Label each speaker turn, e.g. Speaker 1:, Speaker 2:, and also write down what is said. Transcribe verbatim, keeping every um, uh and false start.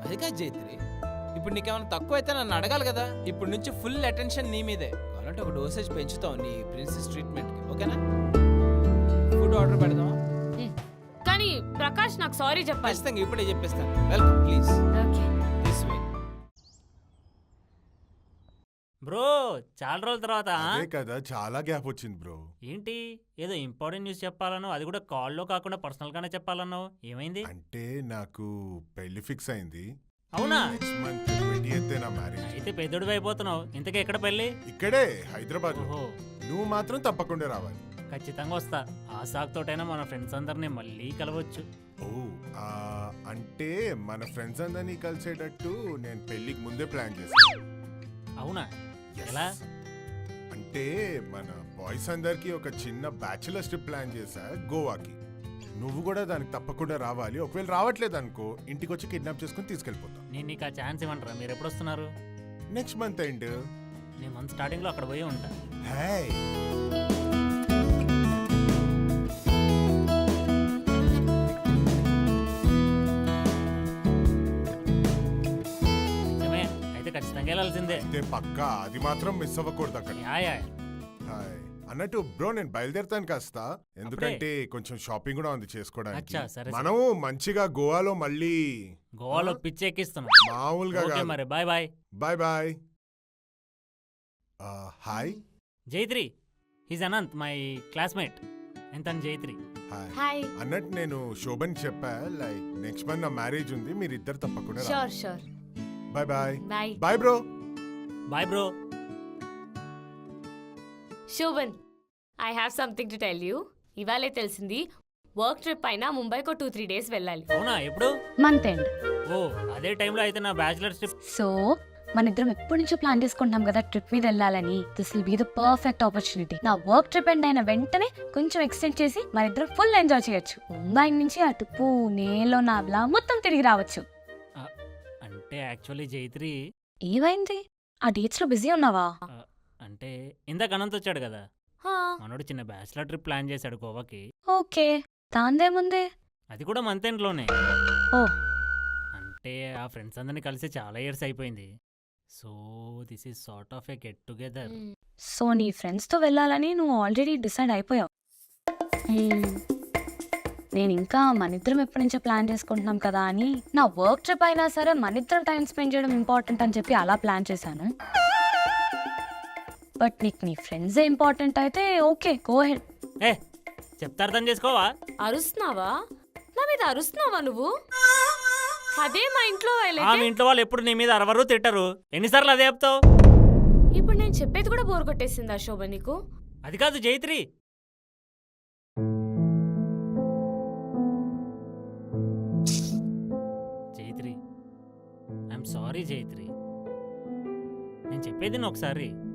Speaker 1: అది కాదు జైత్రి, ఇప్పుడు నీకేమైనా తక్కువ అయితే నన్ను అడగాలి కదా. ఇప్పుడు నుంచి ఫుల్ అటెన్షన్ నీ మీదే. కావాలంటే ఒక డోసేజ్ పెంచుతావు నీ ప్రిన్సెస్ ట్రీట్మెంట్కి, ఓకేనా? ఫుడ్ ఆర్డర్ పెడదామా?
Speaker 2: కానీ ప్రకాష్ నాకు సారీ చెప్పాలి.
Speaker 1: ఖచ్చితంగా ఇప్పుడే చెప్పేస్తాను. Welcome please.
Speaker 2: Okay
Speaker 1: this way.
Speaker 3: Bro చాలా రోజుల తర్వాత
Speaker 4: అదే కదా, చాలా గ్యాప్ వచ్చింది బ్రో.
Speaker 3: ఏంటి ఏదో ఇంపార్టెంట్ న్యూస్ చెప్పాలనో, అది కూడా కాల్లో కాకుండా పర్సనల్ గానే చెప్పాలన్నావు, ఏమైంది?
Speaker 4: అంటే నాకు పెళ్లి ఫిక్స్ అయింది.
Speaker 3: అవునా?
Speaker 4: నెక్స్ట్ మంత్ ట్వంటీ ఎయిత్ నా మ్యారేజ్.
Speaker 3: అయితే పెద్దోడివి అయిపోతున్నావు. ఇంతకీ ఎక్కడ పెళ్ళి?
Speaker 4: ఇక్కడే హైదరాబాద్ లో.
Speaker 3: ఓహో,
Speaker 4: నువ్వు మాత్రం తప్పకుండా రావాలి.
Speaker 3: ఖచ్చితంగా వస్తా. ఆ సాకుతోటైనా మన ఫ్రెండ్స్ అందరినీ మళ్ళీ కలవచ్చు.
Speaker 4: ఓ ఆ, అంటే మన ఫ్రెండ్స్ అందరినీ కలిసేటట్టు నేను పెళ్లికి ముందే ప్లాన్ చేశాను.
Speaker 3: అవునా?
Speaker 4: Yes.
Speaker 3: ఎలా?
Speaker 4: అంటే మన బాయ్స్ అందరికి ఒక చిన్న బ్యాచులర్ ట్రిప్ ప్లాన్ చేశా గోవాకి. నువ్వు కూడా దానికి తప్పకుండా రావాలి. ఒకవేళ రావట్లేదు అనుకో, ఇంటికి వచ్చి కిడ్నాప్ చేసుకుని తీసుకెళ్ళిపోతాం.
Speaker 3: నేను నీకు ఆ ఛాన్స్ ఇవ్వంటారా? మీరు ఎప్పుడు వస్తున్నారు?
Speaker 4: Next month end.
Speaker 3: నేను మంత్ స్టార్టింగ్ లో అక్కడ పోయి ఉంటా.
Speaker 4: హే
Speaker 3: నిజమే, అయితే ఖచ్చితంగా వెళ్ళాల్సిందే.
Speaker 4: అయితే పక్కా, అది మాత్రం మిస్ అవ్వకూడదు అక్కడ.
Speaker 3: Yeah yeah.
Speaker 4: హాయ్ అన్నట్టు బ్రో, నేను బయలుదేరుతాను కాస్త, ఎందుకంటే కొంచెం షాపింగ్ కూడా ఉంది చేసుకోవడానికి.
Speaker 3: అచ్చా, సరే
Speaker 4: మనం మంచిగా గోవాలో మళ్ళీ
Speaker 3: గోవాలో పిచ్చి ఎక్కిస్తున్నాం.
Speaker 4: మామూలుగా
Speaker 3: ఓకే
Speaker 4: కాదు.
Speaker 3: మరి, bye bye.
Speaker 4: Bye bye. Hi
Speaker 3: Jaitri, he's Anant, my classmate. ఎంత జైత్రి.
Speaker 4: హాయ్.
Speaker 2: హాయ్.
Speaker 4: అన్నట్టు నేను శోభన్ చెప్పా, లైక్ నెక్స్ట్ మంత్ నా మ్యారేజ్ ఉంది, మీరు ఇద్దరు తప్పకుండా రా.
Speaker 2: Sure sure.
Speaker 4: Bye bye.
Speaker 2: Bye.
Speaker 4: Bye bro.
Speaker 3: Bye bro.
Speaker 2: Shobhan, I have something to tell you. ఇవాళే తెలిసింది, వర్క్ ట్రిప్ అయినా ముంబైకో టూ త్రీ డేస్ వెళ్ళాలి.
Speaker 3: అవునా? ఎప్పుడు?
Speaker 5: Month end.
Speaker 3: ఓ అదే టైంలో అయితే నా బ్యాచులర్ ట్రిప్.
Speaker 5: సో మన ఇద్దరం ఎప్పటి నుంచో ప్లాన్ చేసుకుంటున్నాం కదా ట్రిప్ మీద వెళ్ళాలని. This will be the perfect opportunity. నా వర్క్ ట్రిప్ ఎండ్ అయిన వెంటనే కొంచెం ఎక్స్టెండ్ చేసి మన ఇద్దరం ఫుల్ ఎంజాయ్ చేయొచ్చు. ముంబై నుంచి అటు పూణేలో నాబ్లా మొత్తం తిరిగి రావచ్చు.
Speaker 3: అంటే యాక్చువల్లీ జైత్రి,
Speaker 5: ఏమైంది? ఆ డేట్స్ లో బిజీ ఉన్నావా?
Speaker 3: అంటే ఇందాక అనంత్ వచ్చాడు కదా,
Speaker 2: హా,
Speaker 3: మనోడు చిన్న బ్యాచులర్ ట్రిప్ ప్లాన్ చేశాడు గోవాకి.
Speaker 5: ఓకే, దాందేముంది.
Speaker 3: అది కూడా మంత్ ఎండ్ లోనే.
Speaker 5: ఓ,
Speaker 3: అంటే ఆ ఫ్రెండ్స్ అందరినీ కలిసి చాలా ఇయర్స్ అయిపోయింది. So this is sort of a get together.
Speaker 2: మ్,
Speaker 5: సో నీ ఫ్రెండ్స్ తో వెళ్ళాలని నువ్వు ఆల్రెడీ డిసైడ్ అయిపోయావు. Hmm. నేను ఇంకా మనిద్దరం ఎప్పటి నుంచో ప్లాన్ చేసుకుంటున్నాం కదా అని, నా వర్క్ ట్రిప్ అయినా సరే మనిద్దరం టైం స్పెండ్ చేయడం ఇంపార్టెంట్ అని చెప్పి అలా ప్లాన్ చేశాను. బట్ నీకు నీ ఫ్రెండ్సే ఇంపార్టెంట్ అయితే ఓకే, గో హెడ్.
Speaker 3: ఏ చెప్తా, అర్థం చేసుకోవా?
Speaker 2: అరుస్తున్నావా? నా మీద అరుస్తున్నావా నువ్వు? అదే మా ఇంట్లో
Speaker 3: ఆ
Speaker 2: వాళ్ళైతే.
Speaker 3: మీ ఇంట్లో వాళ్ళు ఎప్పుడు నీ మీద అరవరు, తిట్టరు. ఎన్నిసార్లు అదే చెప్తావు?
Speaker 2: ఇప్పుడు నేను చెప్పేది కూడా బోర్ కొట్టేసిందా శోభన్ నీకు?
Speaker 3: అది కాదు జైత్రి. జైత్రి, ఐఎమ్ సారీ జైత్రి. నేను చెప్పేది ఒకసారి